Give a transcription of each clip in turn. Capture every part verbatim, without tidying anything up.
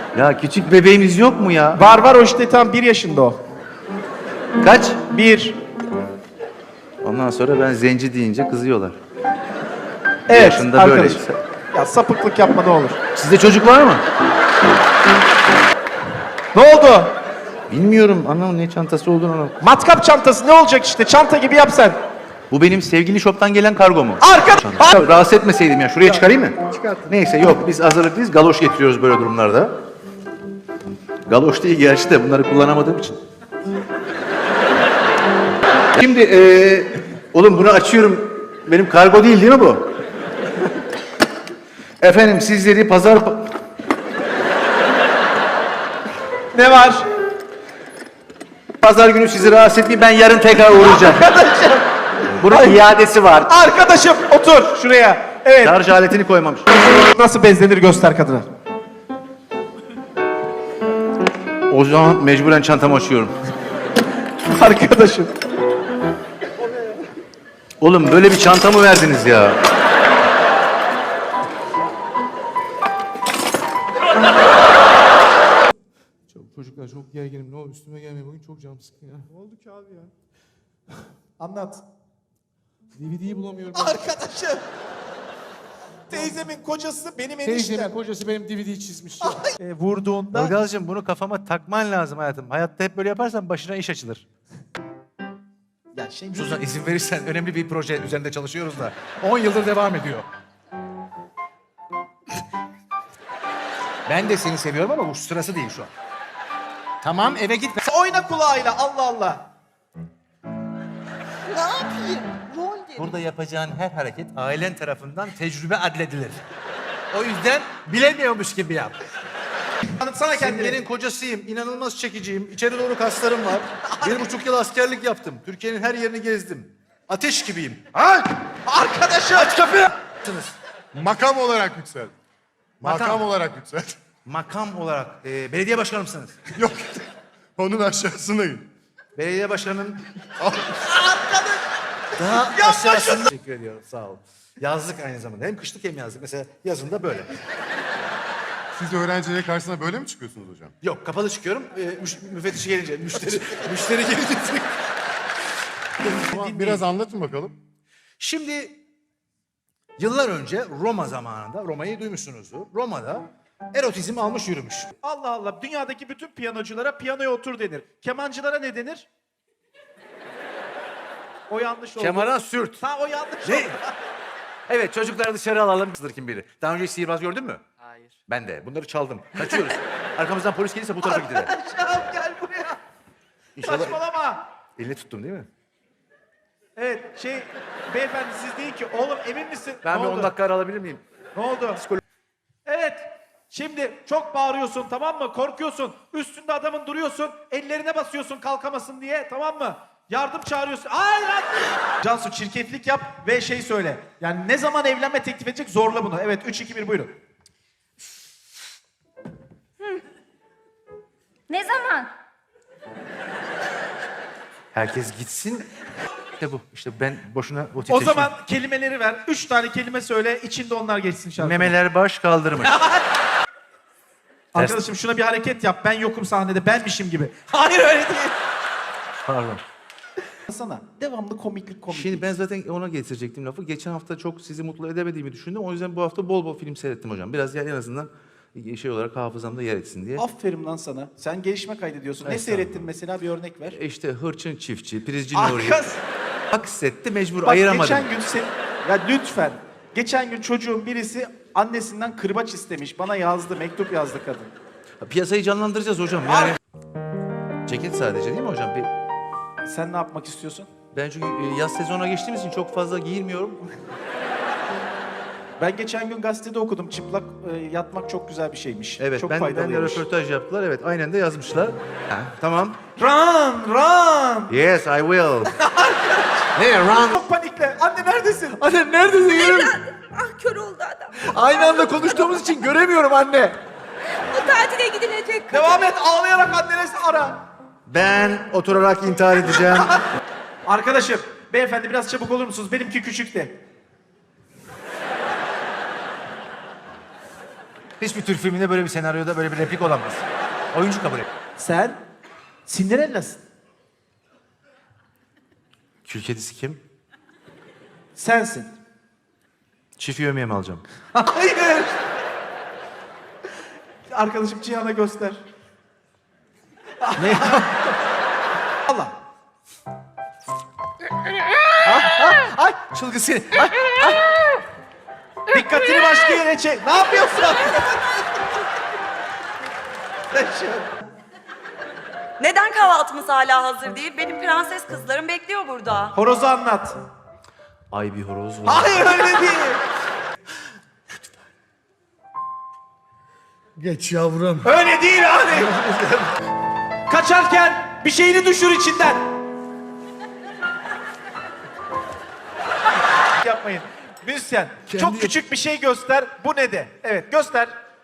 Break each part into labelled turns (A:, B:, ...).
A: Ya küçük bebeğimiz yok mu ya?
B: Var var, o işte tam bir yaşında o.
A: Kaç?
B: Bir.
A: Ondan sonra ben zenci deyince kızıyorlar. Bir
B: Evet
A: yaşında
B: arkadaşım.
A: böyle.
B: Ya sapıklık yapma ne olur.
A: Sizde çocuk var mı?
B: Ne oldu?
A: Bilmiyorum anam ne çantası olduğunu anlamadım.
B: Matkap çantası ne olacak işte, çanta gibi yap sen.
A: Bu benim sevgili shop'tan gelen kargo mu?
B: Arka...
A: Ya, rahatsız etmeseydim ya. Şuraya çıkarayım mı? Neyse yok biz hazırlıklıyız. Galoş getiriyoruz böyle durumlarda. Galoş değil gerçi de bunları kullanamadığım için. Şimdi eee oğlum bunu açıyorum. Benim kargo değil değil mi bu? Efendim sizleri pazar...
B: Ne var?
A: Pazar günü sizi rahatsız etmeyeyim. Ben yarın tekrar uğrayacağım.
B: Arkadaşım.
A: Bunun iadesi var.
B: Arkadaşım otur şuraya. Evet.
A: Şarj aletini koymamış.
B: Nasıl bezlenir göster kadına.
A: O zaman mecburen çantamı açıyorum.
B: Arkadaşım.
A: Oğlum böyle bir çanta mı verdiniz ya?
C: Çok çocuklar çok gerginim. Ne olur üstüme gelmeyin. Bugün çok canım sıkkın ya.
B: Ne oldu ki abi ya? Anlat.
C: D V D'yi bulamıyorum.
B: Arkadaşım. Teyzemin kocası benim
C: Teyzemin
B: eniştem.
C: kocası benim D V D'yi çizmiş. Ya.
B: E, vurduğunda...
A: Ilgaz'cığım bunu kafama takman lazım hayatım. Hayatta hep böyle yaparsan başına iş açılır.
B: Ya şey,
C: Suzan izin verirsen önemli bir proje üzerinde çalışıyoruz da. on yıldır devam ediyor. Ben de seni seviyorum ama bu sırası değil şu an. Tamam eve git.
B: oyna kulağıyla, Allah Allah.
D: Ne yapayım? Rol dedim.
A: Burada yapacağın her hareket ailen tarafından tecrübe adledilir. O yüzden bilemiyormuş gibi yap.
B: Tanıtsana kendini.
A: Simge'nin kocasıyım, inanılmaz çekiciyim, içeri doğru kaslarım var. Bir buçuk yıl askerlik yaptım, Türkiye'nin her yerini gezdim. Ateş gibiyim.
B: Ay! Arkadaşım! Aç kapıyı!
E: Makam olarak yüksel.
A: Makam.
E: Makam, olarak yüksel.
A: Makam olarak e, belediye başkanı mısınız?
E: Yok. Onun aşağısındayım.
A: Belediye başkanının
B: Arkadaş!
A: daha aşağısında. Teşekkür ediyorum, sağ ol. Yazlık aynı zamanda. Hem kışlık hem yazlık. Mesela yazında böyle.
E: Siz öğrencilerin karşısına böyle mi çıkıyorsunuz hocam?
A: Yok, kapalı çıkıyorum. E, müş, müfettişi gelince, müşteri, müşteri gelince.
E: Ama biraz anlatın bakalım.
A: Şimdi yıllar önce Roma zamanında, Roma'yı duymuşsunuzdur. Roma'da erotizm almış yürümüş.
B: Allah Allah, dünyadaki bütün piyanoculara piyanoya otur denir. Kemancılara ne denir? O yanlış oldu.
A: Kemara sürt.
B: Ha o yanlış
A: Ne?
B: oldu.
A: Evet, çocukları dışarı alalım. Sınır kim bilir. Daha önce hiç sihirbaz gördün mü?
D: Hayır.
A: Ben de. Bunları çaldım. Kaçıyoruz. Arkamızdan polis gelirse bu tarafa gidilir.
B: Arkadaşım gel buraya.
A: İnşallah
B: Saçmalama.
A: elini tuttum değil mi?
B: Evet şey, beyefendi siz değil ki. Oğlum emin misin?
A: Ben
B: ne
A: bir
B: oldu?
A: on dakika ara alabilir miyim?
B: Ne oldu? Evet. Şimdi çok bağırıyorsun, tamam mı? Korkuyorsun. Üstünde adamın duruyorsun. Ellerine basıyorsun kalkamasın diye, tamam mı? Yardım çağırıyorsun. Ay lan! Cansu çirkeflik yap ve şey söyle. Yani ne zaman evlenme teklif edecek, zorla bunu. Evet üç iki bir buyurun.
F: Ne zaman?
A: Herkes gitsin. İşte bu. İşte ben boşuna o
B: O
A: titreşim.
B: zaman kelimeleri ver. Üç tane kelime söyle. İçinde onlar geçsin şarkı.
A: Memeler baş kaldırmış.
B: Arkadaşım şuna bir hareket yap. Ben yokum sahnede. Benmişim gibi. Hayır öyle değil.
A: Pardon.
B: Sana devamlı komiklik komiklik.
A: Şimdi ben zaten ona getirecektim lafı. Geçen hafta çok sizi mutlu edemediğimi düşündüm. O yüzden bu hafta bol bol film seyrettim hocam. Biraz ya en azından şey olarak hafızamda yer etsin diye.
B: Aferin lan sana. Sen gelişme kaydediyorsun. Ne
A: Evet,
B: seyrettin mesela, bir örnek ver.
A: E İşte Hırçın Çiftçi, Prizci Nuri.
B: Arkas.
A: Aksetti mecbur
B: Bak
A: ayıramadım.
B: geçen gün sen... Ya lütfen. Geçen gün çocuğun birisi annesinden kırbaç istemiş. Bana yazdı, mektup yazdı kadın.
A: Piyasayı canlandıracağız hocam yani. Ceket sadece değil mi hocam? Bir...
B: Sen ne yapmak istiyorsun?
A: Ben çünkü e, yaz sezonuna geçtiğimiz için çok fazla giyinmiyorum.
B: Ben geçen gün gazetede okudum. Çıplak e, yatmak çok güzel bir şeymiş.
A: Evet
B: çok
A: ben, ben de
B: faydalıymış.
A: röportaj yaptılar. Evet aynen de yazmışlar. Ha, tamam.
B: Run, run.
A: Yes I will. Ne run?
B: Çok panikle. Anne neredesin?
A: Anne neredesin?
D: Evladım. Ah kör oldu adam.
A: Aynı anda konuştuğumuz için göremiyorum anne.
D: O tatile gidilecek.
B: Devam et, ağlayarak annenizi ara.
A: Ben oturarak intihar edeceğim.
B: Arkadaşım, beyefendi biraz çabuk olur musunuz? Benimki küçük de.
C: Hiçbir Türk filminde böyle bir senaryoda böyle bir replik olamaz. Oyuncu kabul et.
B: Sen Cinderella'sın.
A: Kül kedisi kim?
B: Sensin.
A: Çift yövmeye mi alacağım?
B: Hayır. Arkadaşım Cihan'a göster.
A: Ne?
B: Allah.
C: Ay çılgın seni. Ay.
B: Dikkatini başka yere çek. Ne yapıyorsun?
F: Neden kahvaltımız hala hazır değil? Benim prenses kızlarım bekliyor burada.
B: Horozu anlat.
A: Ay bir horoz var.
B: Hayır öyle değil.
G: Geç yavrum.
B: Öyle değil abi. Kaçarken bir şeyini düşür içinden. Yapmayın. Müzisyen, çok küçük bir şey göster. Bu ne de? Evet, göster.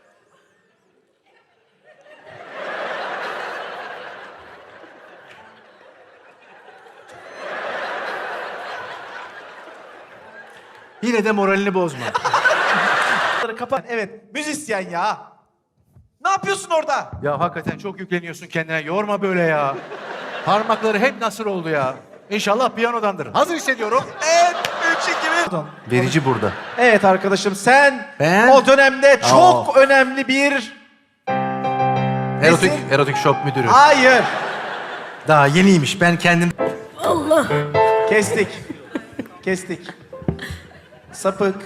C: Yine de moralini bozma.
B: Kapat. Evet, müzisyen ya. Ne yapıyorsun orada?
C: Ya hakikaten çok yükleniyorsun kendine. Yorma böyle ya. Parmakları hep nasır oldu ya. İnşallah piyanodandır. Hazır hissediyorum.
B: Evet, üç, iki, bir.
A: Verici burada.
B: Evet arkadaşım, sen
C: Ben?
B: o dönemde çok önemli bir...
A: Erotik,
B: Nesin?
A: erotik shop müdürü.
B: Hayır.
C: Daha yeniymiş. Ben kendim...
B: Kestik. Kestik. Sapık.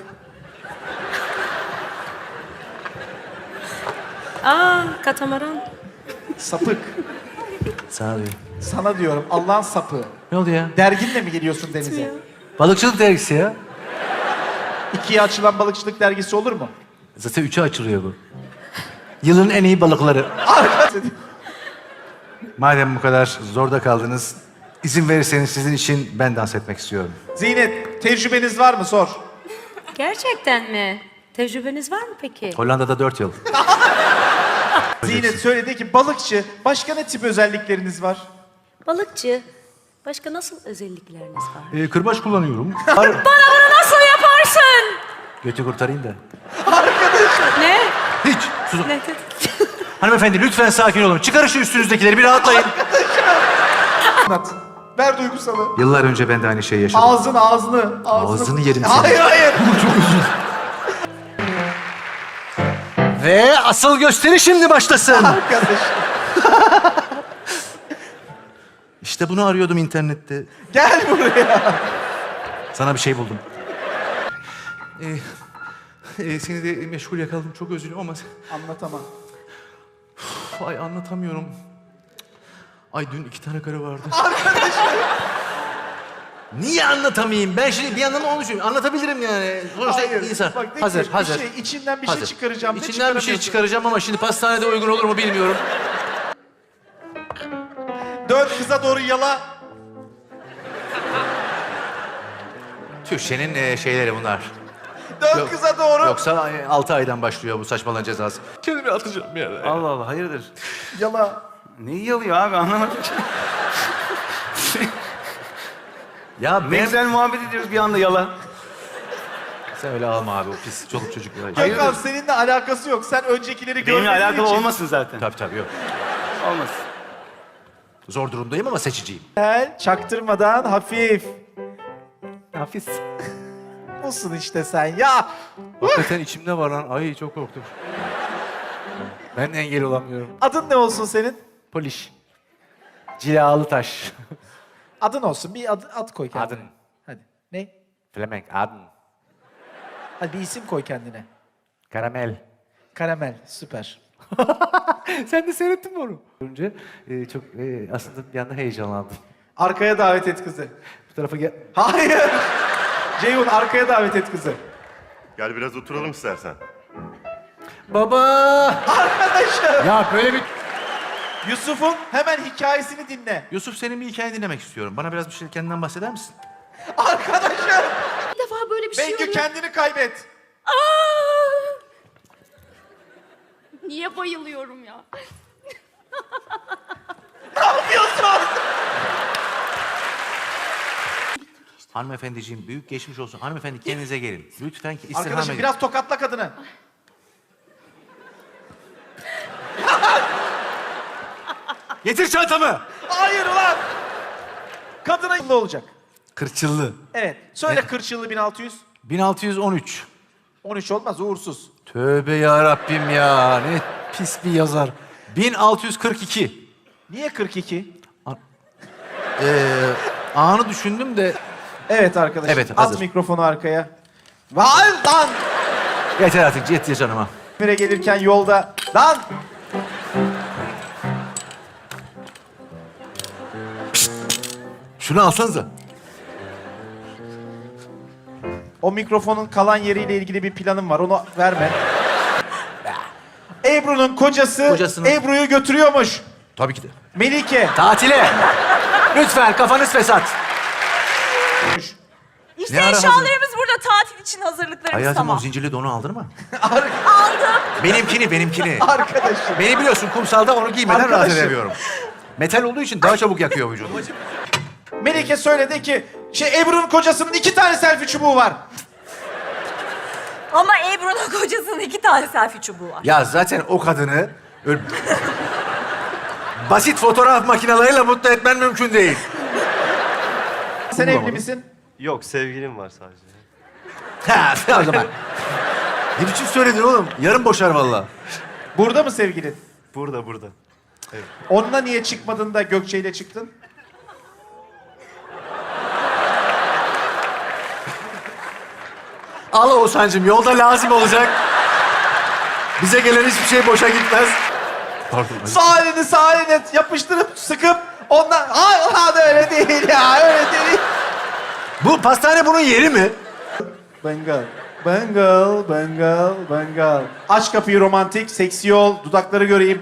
H: Aa, katamaran.
B: Sapık.
A: Sana diyor.
B: Sana diyorum, Allah'ın sapığı.
A: Ne oldu ya?
B: Derginle mi geliyorsun denize?
A: Balıkçılık dergisi ya.
B: İkiye açılan balıkçılık dergisi olur mu?
A: Zaten üçe açılıyor bu. Yılın en iyi balıkları. Madem bu kadar zorda kaldınız, izin verirseniz sizin için ben dans etmek istiyorum.
B: Zeynep, tecrübeniz var mı? Sor.
H: Gerçekten mi? Tecrübeniz var mı peki?
A: Hollanda'da dört yıl.
B: Zeynep söyledi ki balıkçı, başka ne tip özellikleriniz var?
H: Balıkçı. Başka nasıl özellikleriniz var?
A: Ee, kırbaç kullanıyorum.
H: Bana bunu nasıl yaparsın?
A: Götü kurtarayım da.
H: Ne?
A: Hiç. Susun.
H: Ne?
A: Hanımefendi lütfen sakin olun. Çıkarın şu üstünüzdekileri bir rahatlayın.
B: Anlat. Ver duygusalı.
A: Yıllar önce ben de aynı şeyi yaşadım.
B: Ağzını, ağzını, ağzını.
A: Ağzını yerim seni.
B: Hayır, hayır.
A: Ve asıl gösteri şimdi başlasın.
B: Arkadaş.
A: İşte bunu arıyordum internette.
B: Gel buraya.
A: Sana bir şey buldum. Ee, e, seni de meşgul yakaladım. Çok özür dilerim ama...
B: Anlatamam.
A: Uf, ay anlatamıyorum. Ay dün iki tane karı vardı. Niye anlatamayayım? Ben şimdi bir yandan onu düşünüyorum. Anlatabilirim yani. Sonuçta
B: Hayır.
A: insan.
B: Bak, de
A: Hazır,
B: ki,
A: hazır.
B: Bir şey, içinden bir
A: hazır.
B: şey çıkaracağım. Ne
A: İçinden bir şey
B: çıkaramıyorsun?
A: çıkaracağım ama şimdi pastanede uygun olur mu bilmiyorum.
B: Dön kıza doğru yala.
A: Türkçenin e, şeyleri bunlar.
B: Dön
A: Yok.
B: kıza doğru.
A: Yoksa e, altı aydan başlıyor bu saçmalığın cezası. Kendimi atacağım bir yere.
I: Allah Allah hayırdır?
B: Yala.
I: Neyi yalıyor abi anlamadım.
A: Ya
I: Ne
A: ben...
I: güzel muhabbet ediyoruz bir anda yala.
A: Sen öyle alma abi o pis çoluk çocuk.
B: Gökhan seninle alakası yok. Sen öncekileri
I: Benimle
B: görmediğin
I: alakalı
B: için.
I: olmasın zaten.
A: Tabii tabii yok.
I: Olmasın.
A: Zor durumdayım ama seçiciyim.
B: Gel, çaktırmadan hafif.
A: Hafiz.
B: Olsun işte sen ya.
C: Hakikaten içimde var lan. Ay çok korktum. Ben engel olamıyorum.
B: Adın ne olsun senin?
C: Poliş. Cilalı taş.
B: Adın olsun. Bir ad, ad koy kendine.
C: Adın.
B: Hadi. Ne?
C: Flemenk adın.
B: Hadi bir isim koy kendine.
C: Karamel.
B: Karamel. Süper.
C: Sen de seyrettin mi onu? Önce e, çok e, aslında bir yandan heyecanlandım.
B: Arkaya davet et kızı.
C: Bu tarafa gel.
B: Hayır. Ceyhun arkaya davet et kızı.
E: Gel biraz oturalım istersen.
C: Baba!
B: Arkadaşım.
C: Ya böyle bir...
B: Yusuf'un hemen hikayesini dinle.
A: Yusuf senin bir hikaye dinlemek istiyorum. Bana biraz bir şey kendinden bahseder misin?
B: Arkadaşım.
D: Bir defa böyle bir şey
B: Bengü
D: oluyor.
B: kendini kaybet.
D: Aa! Niye bayılıyorum ya?
B: Ne yapıyorsun?
A: Hanımefendiciğim büyük geçmiş olsun. Hanımefendi kendinize gelin. Lütfen ki istirham
B: Arkadaşım
A: edin.
B: biraz tokatla kadını.
C: Getir çantamı.
B: Hayır ulan. Kadına ne olacak?
C: Kırçıllı.
B: Evet. Söyle kırçıllı bin altı yüz.
C: bin altı yüz on üç.
B: on üç olmaz uğursuz.
C: Tövbe ya Rabbim ya. Ne pis bir yazar. bin altı yüz kırk iki.
B: Niye kırk iki?
C: Ee, anı düşündüm de.
B: Evet arkadaşım.
C: Evet,
B: At
C: hazır.
B: mikrofonu arkaya. Vay lan!
C: Yeter artık yeter canıma.
B: İzmir'e gelirken yolda. Lan!
C: Şunu alsanıza.
B: O mikrofonun kalan yeriyle ilgili bir planım var. Onu verme. Ebru'nun kocası
C: Kocasının-
B: Ebru'yu götürüyormuş.
C: Tabii ki de.
B: Melike.
C: Tatile. Lütfen kafanız fesat.
F: İşte
C: Ne ara hazır?
F: eşyalarımız burada tatil için hazırlıklarımız
C: Hayatım
F: tamam.
C: o zincirli donu aldın mı?
F: Aldım.
C: Benimkini, benimkini.
B: Arkadaşım.
C: Beni biliyorsun kumsalda onu giymeden rahat
B: Arkadaşım.
C: edemiyorum. Metal olduğu için daha çabuk yakıyor vücudumu.
B: Melike söyledi ki şey Ebru'nun kocasının iki tane selfie çubuğu var.
F: Ama Ebru'nun kocasının iki tane selfie çubuğu var.
C: Ya zaten o kadını öyle... basit fotoğraf makinalarıyla mutlu etmen mümkün değil.
B: Sen
C: Bulamadım.
B: evli misin?
G: Yok, sevgilim var sadece.
C: Ha, o zaman. Ne biçim söyledin oğlum? Yarın boşar vallahi.
B: Burada mı sevgilin?
G: Burada, burada.
B: Onunla niye çıkmadın da Gökçe ile çıktın?
C: Al Oğuzhan'cığım yolda lazım olacak. Bize gelen hiçbir şey boşa gitmez. Pardon.
B: Sağ elini sağ eline yapıştırıp sıkıp ondan... Hayır lan öyle değil ya öyle değil.
C: Bu pastane bunun yeri mi?
B: Bengal. Bengal, Bengal, Bengal. Aç kapıyı romantik, seksi ol, dudakları göreyim.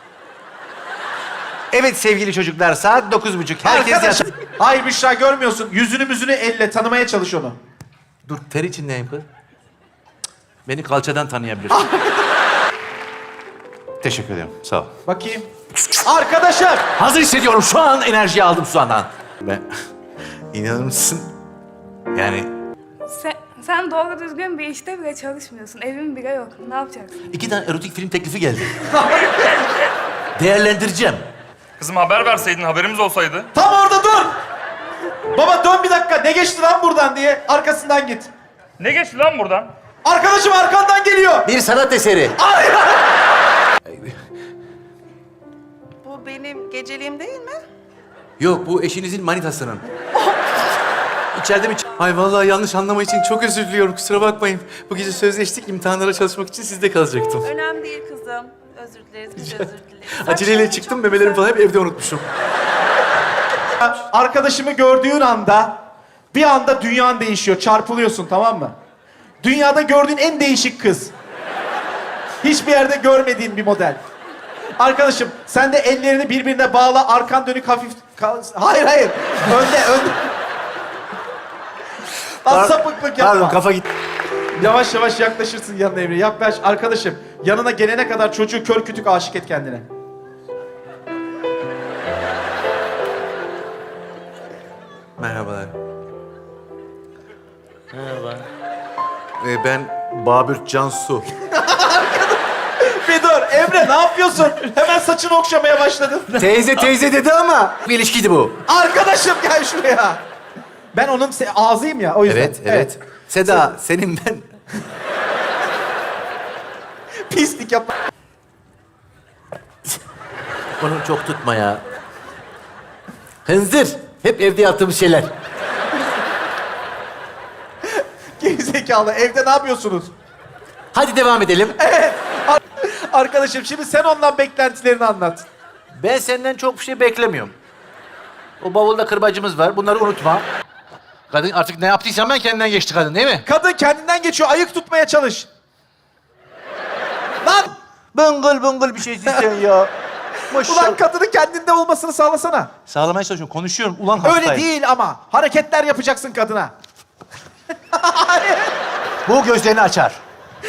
C: Evet sevgili çocuklar saat dokuz buçuk. Herkes
B: Arkadaş.
C: yat.
B: Hayır Büşra görmüyorsun. Yüzünü müzünü elle tanımaya çalış onu.
C: Dur ter içindeyim kız. Beni kalçadan tanıyabilir. Teşekkür ederim. Sağ ol.
B: Bakayım. Arkadaşım.
C: Hazır hissediyorum. Şu an enerjiyi aldım şu andan. Ben... İnanır mısın? Yani
J: Sen, sen doğru düzgün bir işte bile çalışmıyorsun. Evin bile yok. Ne yapacaksın?
C: iki tane erotik film teklifi geldi. Değerlendireceğim.
K: Kızım haber verseydin, haberimiz olsaydı.
B: Tam orada dur. Baba dön bir dakika. Ne geçti lan buradan diye arkasından git.
K: Ne geçti lan buradan?
B: Arkadaşım arkandan geliyor.
C: Bir sanat eseri.
F: Bu benim geceliğim değil mi?
C: Yok bu eşinizin manitasının. İçeride mi? Ay vallahi yanlış anlama için çok özür diliyorum. Kusura bakmayın. Bu gece sözleştik. İmtihanlara çalışmak için sizde kalacaktım.
F: Önemli değil kızım. Özür dileriz, biz de özür dileriz.
C: Aceleyle
F: Saçların
C: çıktım.
F: çok
C: Memelerimi
F: güzel.
C: falan hep evde unutmuşum.
B: Arkadaşımı gördüğün anda bir anda dünyan değişiyor. Çarpılıyorsun tamam mı? Dünyada gördüğün en değişik kız. Hiçbir yerde görmediğin bir model. Arkadaşım sen de ellerini birbirine bağla, arkan dönük hafif... kal- Hayır hayır. Önde önde. Lan sapıklık yapma.
C: Pardon kafa gitti.
B: Yavaş yavaş yaklaşırsın yanına Emre. Yaklaş arkadaşım. Yanına gelene kadar çocuğu kör kütük aşık et kendine.
C: Merhabalar.
G: Merhaba.
C: Ee, ben Babürt Cansu.
B: Bir dur Emre ne yapıyorsun? Hemen saçını okşamaya başladın.
C: Teyze teyze dedi ama bir ilişkiydi bu.
B: Arkadaşım gel şuraya. Ben onun se- ağzıyım ya o yüzden.
C: Evet, evet. Seda, senin ben...
B: Pislik yapma.
C: Bunu çok tutma ya. Hınzır. Hep evde yaptığımız şeyler.
B: Gerizekalı evde ne yapıyorsunuz?
C: Hadi devam edelim.
B: Ar- Arkadaşım şimdi sen ondan beklentilerini anlat.
C: Ben senden çok bir şey beklemiyorum. O bavulda kırbacımız var. Bunları unutma. Kadın artık ne yaptıysan ben kendinden geçti kadın değil mi?
B: Kadın kendinden geçiyor ayık tutmaya çalış. Lan!
C: Bıngıl bıngıl bir şeysin sen ya.
B: Ulan kadının kendinde olmasını sağlasana.
C: Sağlamaya çalışıyorum. Konuşuyorum. Ulan
B: Öyle değil ama. Hareketler yapacaksın kadına.
C: Bu gözlerini açar.